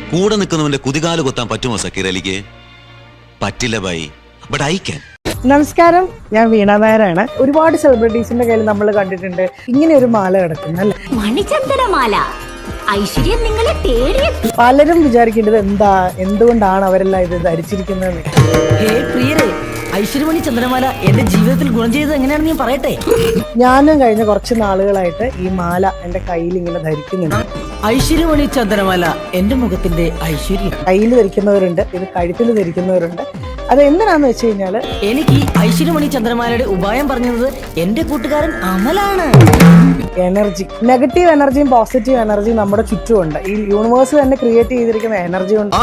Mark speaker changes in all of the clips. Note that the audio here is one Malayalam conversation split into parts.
Speaker 1: കൂടെ നിൽക്കുന്നവന്റെ കുതികാല് കൊത്താൻ പറ്റുമോ സക്കീർ അലിക്ക്? പറ്റില്ല ബൈ, ബട്ട് ഐ ക്യാൻ.
Speaker 2: നമസ്കാരം, ഞാൻ വീണ നായരാണ്. ഒരുപാട് സെലിബ്രിറ്റീസിന്റെ കയ്യിൽ നമ്മൾ കണ്ടിട്ടുണ്ട് ഇങ്ങനെ ഒരു മാല കിടക്കുന്നത്, അല്ലേ?
Speaker 3: മണിചന്ദനമാല. ഐശ്വര്യം നിങ്ങളെ തേടിയെത്തി.
Speaker 2: പലരും വിചാരിക്കേണ്ടത് എന്തുകൊണ്ടാണ് അവരെല്ലാം ഇത് ധരിച്ചിരിക്കുന്നത്.
Speaker 4: ഐശ്വര്യമണി ചന്ദ്രമാല എന്റെ ജീവിതത്തിൽ ഗുണം ചെയ്തത് എങ്ങനെയാണെന്ന് ഞാൻ പറയട്ടെ.
Speaker 2: ഞാനും കഴിഞ്ഞ കുറച്ച് നാളുകളായിട്ട് ഈ മാല എന്റെ കയ്യിൽ ഇങ്ങനെ ധരിക്കുന്നുണ്ട്.
Speaker 4: ഐശ്വര്യമണി ചന്ദ്രമാല എന്റെ മുഖത്തിന്റെ ഐശ്വര്യം.
Speaker 2: കയ്യിൽ ധരിക്കുന്നവരുണ്ട്, ഇത് കഴുത്തിൽ ധരിക്കുന്നവരുണ്ട്. അത് എന്തിനാന്ന് വെച്ച് കഴിഞ്ഞാല്,
Speaker 4: എനിക്ക് ഈ ഐശ്വര്യമണി ചന്ദ്രമാലയുടെ ഉപായം പറഞ്ഞത് എന്റെ കൂട്ടുകാരൻ അമലാണ്.
Speaker 2: എനർജി, നെഗറ്റീവ് എനർജിയും പോസിറ്റീവ് എനർജിയും നമ്മുടെ ചുറ്റുമുണ്ട്. ഈ യൂണിവേഴ്സ് തന്നെ ക്രിയേറ്റ് ചെയ്തിരിക്കുന്ന എനർജി ഉണ്ട്.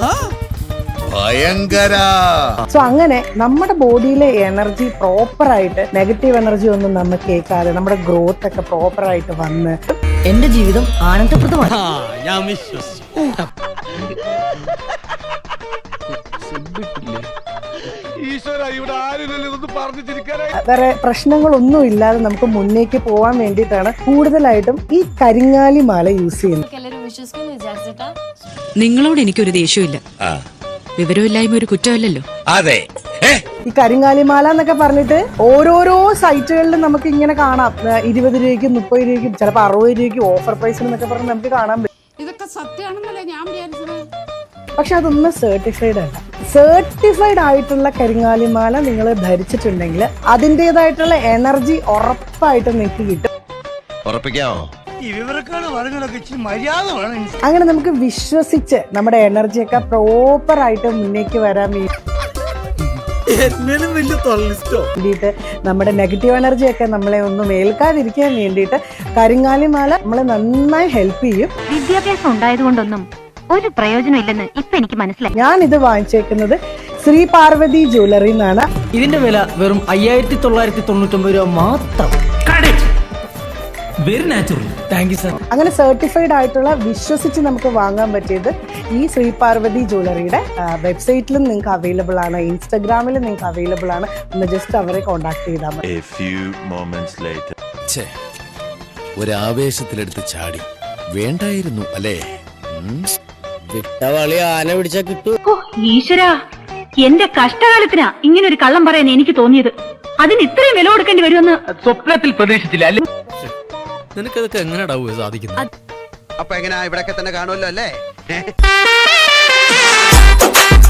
Speaker 2: സോ അങ്ങനെ നമ്മുടെ ബോഡിയിലെ എനർജി പ്രോപ്പർ ആയിട്ട്, നെഗറ്റീവ് എനർജി ഒന്നും നമ്മൾ കേൾക്കാതെ നമ്മുടെ ഗ്രോത്ത് ഒക്കെ പ്രോപ്പർ ആയിട്ട് വന്ന്
Speaker 4: എന്റെ ജീവിതം ആനന്ദപ്രദമാണ്.
Speaker 2: വേറെ പ്രശ്നങ്ങളൊന്നും ഇല്ലാതെ നമുക്ക് മുന്നേക്ക് പോവാൻ വേണ്ടിയിട്ടാണ് കൂടുതലായിട്ടും ഈ കരിങ്ങാലി മാല യൂസ് ചെയ്യുന്നത്.
Speaker 5: നിങ്ങളോട് എനിക്കൊരു ദേഷ്യമില്ല. വിവരമില്ലായ്മ ഒരു കുറ്റമല്ലല്ലോ.
Speaker 6: അതെ,
Speaker 2: ഈ കരിങ്ങാലിമാല എന്നൊക്കെ പറഞ്ഞിട്ട് ഓരോരോ സൈറ്റുകളിലും നമുക്ക് ഇങ്ങനെ കാണാം. 20 രൂപയ്ക്കും 30 രൂപയ്ക്കും ചിലപ്പോൾ 60 രൂപയ്ക്കും ഓഫർ പ്രൈസിൽ എന്നൊക്കെ പറഞ്ഞ് നമുക്ക് കാണാൻ പറ്റും.
Speaker 7: ഇതൊക്കെ സത്യമാണെന്നല്ലേ ഞാൻ വിചാരിച്ചത്.
Speaker 2: പക്ഷെ അതൊന്നും സർട്ടിഫൈഡ് അല്ല. സർട്ടിഫൈഡ് ആയിട്ടുള്ള കരിങ്ങാലിമാല നിങ്ങൾ ധരിച്ചിട്ടുണ്ടെങ്കിൽ അതിൻ്റെതായിട്ടുള്ള എനർജി ഉറപ്പായിട്ടും നിങ്ങൾക്ക് കിട്ടും.
Speaker 6: ഉറപ്പിക്കാമോ?
Speaker 2: അങ്ങനെ നമുക്ക് വിശ്വസിച്ച് നമ്മുടെ എനർജിയൊക്കെ പ്രോപ്പർ ആയിട്ട് മുന്നേക്ക് വരാൻ വേണ്ടിയിട്ട്, നമ്മുടെ നെഗറ്റീവ് എനർജിയൊക്കെ നമ്മളെ ഒന്നും ഏൽക്കാതിരിക്കാൻ വേണ്ടിയിട്ട് കരിങ്ങാലിമാല നമ്മളെ നന്നായി ഹെൽപ്പ് ചെയ്യും.
Speaker 3: വിദ്യാഭ്യാസം ഉണ്ടായതുകൊണ്ടൊന്നും ഒരു പ്രയോജനം ഇല്ലെന്ന് ഇപ്പൊ എനിക്ക് മനസ്സിലായി.
Speaker 2: ഞാൻ ഇത് വാങ്ങിച്ചേക്കുന്നത് ശ്രീ പാർവതി ജ്വല്ലറി എന്നാണ്.
Speaker 4: ഇതിന്റെ വില വെറും 5999 രൂപ മാത്രം. Very natural. Thank you sir.
Speaker 2: അങ്ങനെ സർട്ടിഫൈഡ് ആയിട്ടുള്ള വിശ്വസിച്ച് നമുക്ക് വാങ്ങാൻ പറ്റിയത് ഈ ശ്രീ പാർവതി ജ്വല്ലറിയുടെ വെബ്സൈറ്റിലും നിങ്ങൾക്ക് അവൈലബിൾ ആണ്, ഇൻസ്റ്റഗ്രാമിലും നിങ്ങൾക്ക് അവൈലബിൾ ആണ്. ഒന്ന് ജസ്റ്റ് അവരെ കോൺടാക്ട് ചെയ്താൽ മതി.
Speaker 6: ഒരാവേശത്തിലെടുത്ത് ചാടി വേണ്ടായിരുന്നു അല്ലേ?
Speaker 4: വിട്ടവളി ആന പിടിച്ചാ കിട്ടൂ.
Speaker 3: ഈശ്വരാ, എന്റെ കഷ്ടകാലത്തിനാ ഇങ്ങനെ ഒരു കള്ളം പറയാൻ എനിക്ക് തോന്നിയത്. അതിന് ഇത്രയും വില കൊടുക്കേണ്ടി വരുമെന്ന്
Speaker 4: സ്വപ്നത്തിൽ പ്രതീക്ഷിച്ചില്ല അല്ലേ?
Speaker 6: നിനക്കതൊക്കെ എങ്ങനെയാ സാധിക്കുന്നത്?
Speaker 8: അപ്പൊ എങ്ങനെയാ ഇവിടൊക്കെ തന്നെ കാണുമല്ലോ അല്ലേ?